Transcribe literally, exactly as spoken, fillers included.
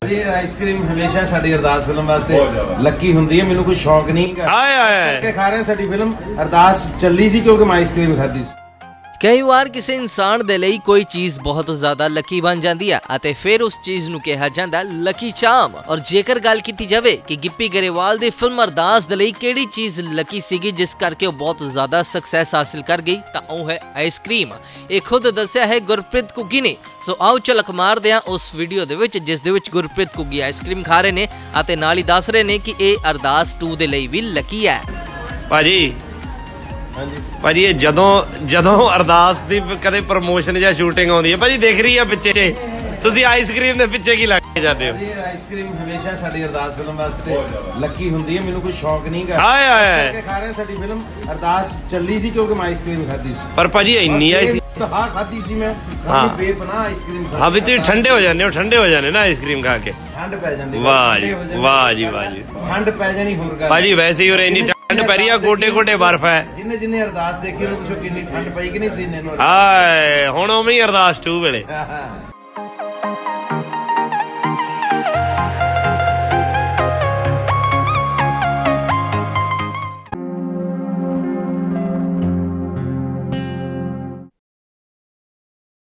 Ice cream ਹਮੇਸ਼ਾ ਸਾਡੀ ਅਰਦਾਸ ਫਿਲਮ ਵਾਸਤੇ ਲੱਕੀ ਹੁੰਦੀ ਹੈ। ਮੈਨੂੰ ਕੋਈ ਸ਼ੌਕ ਨਹੀਂ ਹੈਗਾ। ਆਏ ਆਏ ਖਾ ਰਹੇ ਸਾਡੀ ਫਿਲਮ ਅਰਦਾਸ ਚੱਲੀ ਸੀ ਕਿਉਂਕਿ ਮੈਂ ਆਈਸਕ੍ਰੀਮ ਖਾਧੀ ਸੀ। कई बार किसी इंसान दे लई कोई चीज़ बहुत ज़्यादा लकी बन जाती है ਅਤੇ फिर उस चीज़ ਨੂੰ ਕਿਹਾ ਜਾਂਦਾ लकी चाम। और जेकर गल की जाए कि गिप्पी गरेवाल ਦੀ फिल्म अरदास ਦੇ ਲਈ ਕਿਹੜੀ चीज़ लकी ਸੀਗੀ जिस करके वो बहुत ज़्यादा सक्सैस हासिल कर गई ਤਾਂ ਉਹ है आइसक्रीम। ਇਹ खुद दस्सिया है गुरप्रीत घुग्गी ने। सो आओ झलक मारदे ਹਾਂ उस वीडियो ਦੇ ਵਿੱਚ ਜਿਸ ਦੇ ਵਿੱਚ गुरप्रीत घुग्गी आइसक्रीम खा ਰਹੇ ਨੇ ਅਤੇ ਨਾਲ ਹੀ ਦੱਸ ਰਹੇ ਨੇ ਕਿ ਇਹ ਅਰਦਾਸ टू ਦੇ ਲਈ ਵੀ लकी है। ਭਾਜੀ ਭਾਜੀ ਇਹ ਜਦੋਂ ਜਦੋਂ ਅਰਦਾਸ ਦੀ ਕਦੇ ਪ੍ਰਮੋਸ਼ਨ ਜਾਂ ਸ਼ੂਟਿੰਗ ਆਉਂਦੀ ਹੈ ਭਾਜੀ ਦਿਖ ਰਹੀ ਹੈ ਪਿੱਛੇ ਤੁਸੀਂ ਆਈਸਕ੍ਰੀਮ ਦੇ ਪਿੱਛੇ ਕੀ ਲੱਗ ਕੇ ਜਾਂਦੇ ਹੋ? ਆਈਸਕ੍ਰੀਮ ਹਮੇਸ਼ਾ ਸਾਡੀ ਅਰਦਾਸ ਫਿਲਮ ਵਾਸਤੇ ਲੱਕੀ ਹੁੰਦੀ ਹੈ। ਮੈਨੂੰ ਕੋਈ ਸ਼ੌਕ ਨਹੀਂ ਹੈਗਾ। ਆਏ ਆਏ ਖਾ ਰਹੇ ਸਾਡੀ ਫਿਲਮ ਅਰਦਾਸ ਚੱਲੀ ਸੀ ਕਿਉਂਕਿ ਮੈਂ ਆਈਸਕ੍ਰੀਮ ਖਾਧੀ ਸੀ। ਪਰ ਭਾਜੀ ਇੰਨੀ ਆਈ ਸੀ ਹਾਂ ਖਾਧੀ ਸੀ ਮੈਂ। ਹਾਂ ਬੇਪਨਾਹ ਆਈਸਕ੍ਰੀਮ ਹਾਂ ਵਿੱਚ ਠੰਡੇ ਹੋ ਜਾਂਦੇ ਹੋ ਠੰਡੇ ਹੋ ਜਾਂਦੇ ਨਾ ਆਈਸਕ੍ਰੀਮ ਖਾ ਕੇ ਠੰਡ ਪੈ ਜਾਂਦੀ। ਵਾਹ ਜੀ ਵਾਹ ਜੀ ਵਾਹ ਜੀ ਠੰਡ ਪੈ ਜਾਣੀ ਹੋਰ ਗੱਲ ਭਾਜੀ ਵੈਸੇ ਹੀ ਉਰੇ ਇੰਨੀ ਠੰਡ ਪੈ ਰਹੀ ਆ ਗੋਡੇ ਗੋਡੇ ਬਰਫ਼ ਹੈ। ਜਿੰਨੇ ਜਿੰਨੇ ਅਰਦਾਸ ਦੇਖੀ ਉਹਨੂੰ ਪੁੱਛੋ ਕਿੰਨੀ ਠੰਡ ਪਈ ਕਿ ਨਹੀਂ ਸੀਨੇ ਨੂੰ। ਹਾਏ ਹੁਣ ਉਵੇਂ ਹੀ ਅਰਦਾਸ ਟੂ ਵੇਲੇ